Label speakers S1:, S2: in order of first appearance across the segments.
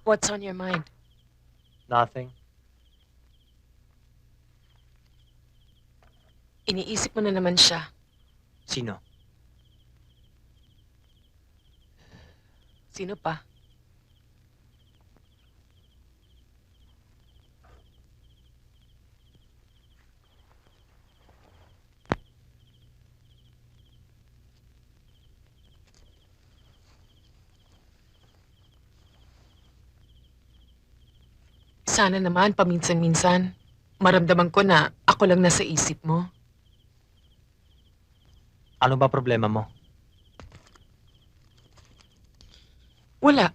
S1: What's on your mind?
S2: Nothing.
S1: Iniisip mo na naman siya.
S2: Sino?
S1: Sino pa? Sana naman paminsan-minsan, maramdaman ko na ako lang nasa isip mo.
S2: Ano ba problema mo?
S1: Wala.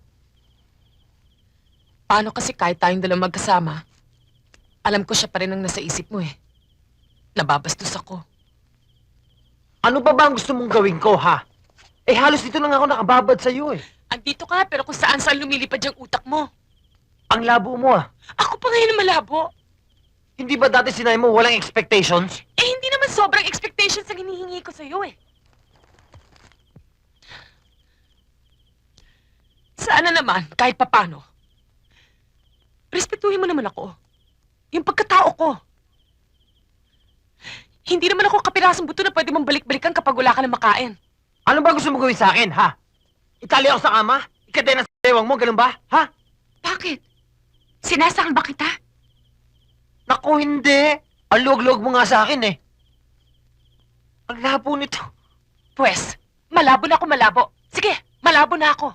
S1: Paano kasi kahit tayong dalawang magkasama, alam ko siya pa rin ang nasa isip mo eh. Nababastos ako.
S2: Ano ba ang gusto mong gawin ko, ha? Eh, halos dito lang ako nakababad sa'yo, eh.
S1: Andito ka pero kung saan-saan lumilipad yung utak mo.
S2: Ang labo mo, ah.
S1: Ako pa ngayon ang malabo.
S2: Hindi ba dati sinabi mo walang expectations?
S1: Eh hindi naman sobrang expectations ang hinihingi ko sa'yo eh. Sana naman, kahit papano, respetuhin mo naman ako. Yung pagkatao ko. Hindi naman ako kapirasong buto na pwede mong balik-balikan kapag wala ka na makain.
S2: Ano ba gusto mo gawin sa akin, ha? Itali ako sa kama? Ikadena sa bewang mo, ganun ba? Ha?
S1: Bakit? Sinasakal ba kita?
S2: Naku, hindi. Ang luwag-luwag mo nga sa akin, eh. Ang labo nito.
S1: Pwes, malabo na ako malabo. Sige, malabo na ako.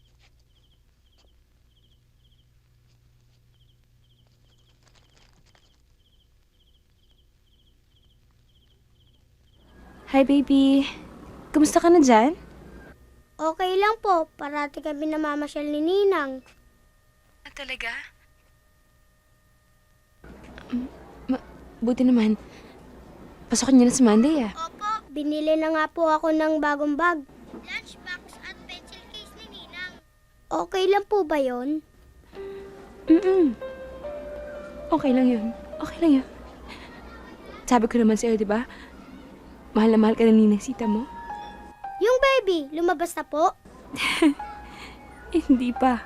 S3: Hi, baby. Kumusta ka na dyan?
S4: Okay lang po, parati kami namamasyal ni Ninang.
S3: Talaga? Buti naman. Pasokin niyo na si Monday, ah.
S4: Opo, binili na nga po ako ng bagong bag. Lunchbox at pencil case ni Ninang. Okay lang po ba yon?
S3: Okay lang yun. Okay lang yun. Sabi ko naman sa'yo, di ba? Mahal na mahal ka na ni Sita mo.
S4: Yung baby, lumabas na po?
S3: Hindi pa.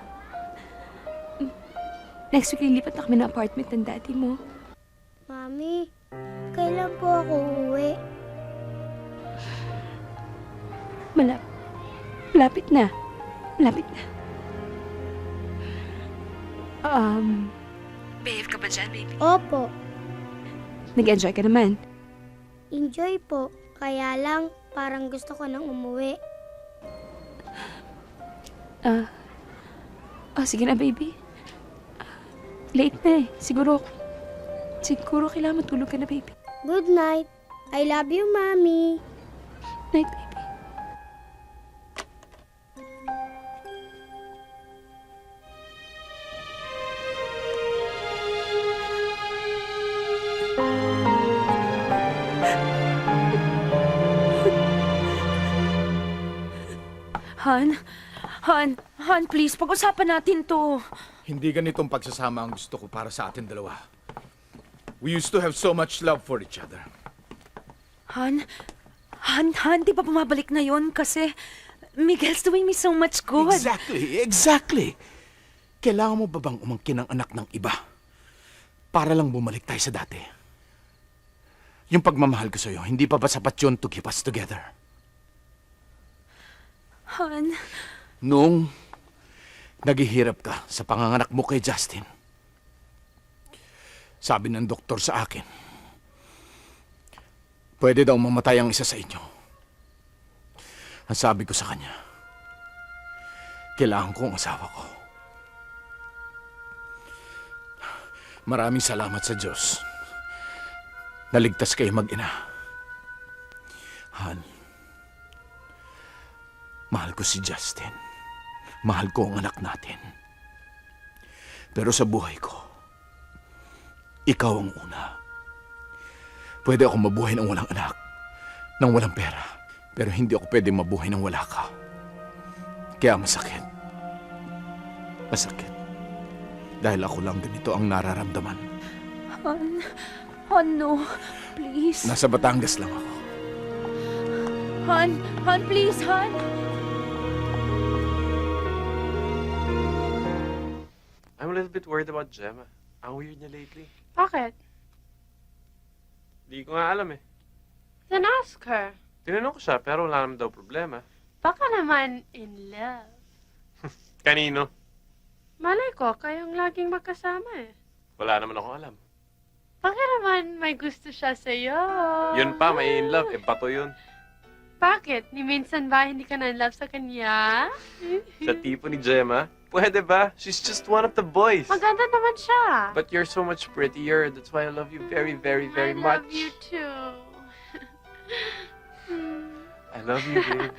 S3: Next week, lilipat na kami ng apartment ng daddy mo.
S4: Mami, kailan po ako uuwi?
S3: Malapit na. Malapit na. Behave ka ba dyan, baby?
S4: Opo,
S3: Nag-enjoy ka naman.
S4: enjoy po. Kaya lang, parang gusto ko nang umuwi.
S3: Sige na, baby. Late na eh. Siguro kailangan matulog ka na, baby.
S4: Good night. I love you, Mami.
S3: Night, baby. Han, please, pag-usapan natin to.
S5: Hindi ganitong pagsasama ang gusto ko para sa atin dalawa. We used to have so much love for each other.
S6: Han, di ba bumabalik na yon kasi Miguel's doing me so much good.
S5: Exactly. Kailangan mo ba bang umangkin ng anak ng iba para lang bumalik tayo sa dati? Yung pagmamahal ko sa'yo, hindi pa ba sapat yun to keep us together?
S6: Han,
S5: Nung naghihirap ka sa panganganak mo kay Justin, sabi ng doktor sa akin, pwede daw mamatay ang isa sa inyo. Ang sabi ko sa kanya, kailangan ko ang asawa ko. Maraming salamat sa Diyos. Naligtas kayo mag-ina. Han, mahal ko si Justin. Mahal ko ang anak natin. Pero sa buhay ko, ikaw ang una. Pwede ako mabuhay ng walang anak, ng walang pera. Pero hindi ako pwede mabuhay ng wala ka. Kaya masakit. Masakit. Dahil ako lang ganito ang nararamdaman.
S6: Han, no. Please.
S5: Nasa Batangas lang ako.
S6: Han, please, Han.
S7: a little bit worried about Gemma. Ang weird niya lately.
S8: Bakit?
S7: Di ko nga alam eh.
S8: Then ask her.
S7: Tinanong ko siya, pero wala naman daw problema.
S8: Baka naman in love.
S7: Kanino?
S8: Malay ko, kayong laging magkasama eh.
S7: Wala naman akong alam.
S8: Baka naman may gusto siya sa'yo.
S7: Yun pa, may in love. Eh, bato yun.
S8: Bakit? Ni minsan ba hindi ka na in love sa kanya?
S7: Sa tipo ni Gemma, pwede ba? She's just one of the boys.
S8: Maganda naman siya.
S7: But you're so much prettier. That's why I love you very, very, very much.
S8: I love you too.
S7: I love you, baby.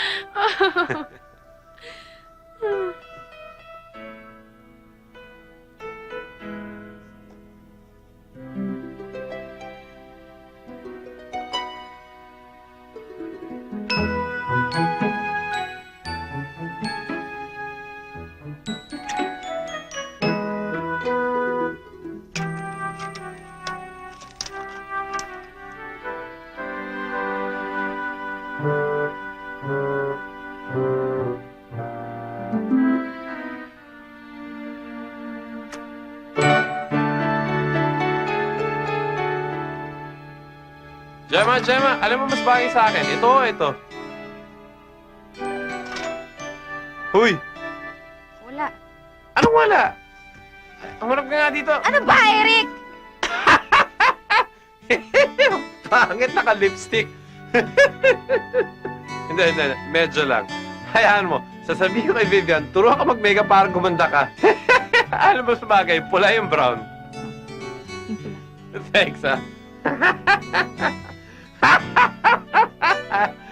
S7: Gemma, alam mo mas bagay sa akin. Ito o ito? Huy!
S3: Wala.
S7: Anong wala? Umarap ka nga dito.
S3: Ano ba, Eric?
S7: Pangit, naka-lipstick. Hindi. Medyo lang. Hayaan mo. Sasabihin ko kay Vivian, turuan ka mag-makeup para gumanda ka. Alam mo sa bagay, pula yung brown.
S3: Yung pula.
S7: Thanks, ha?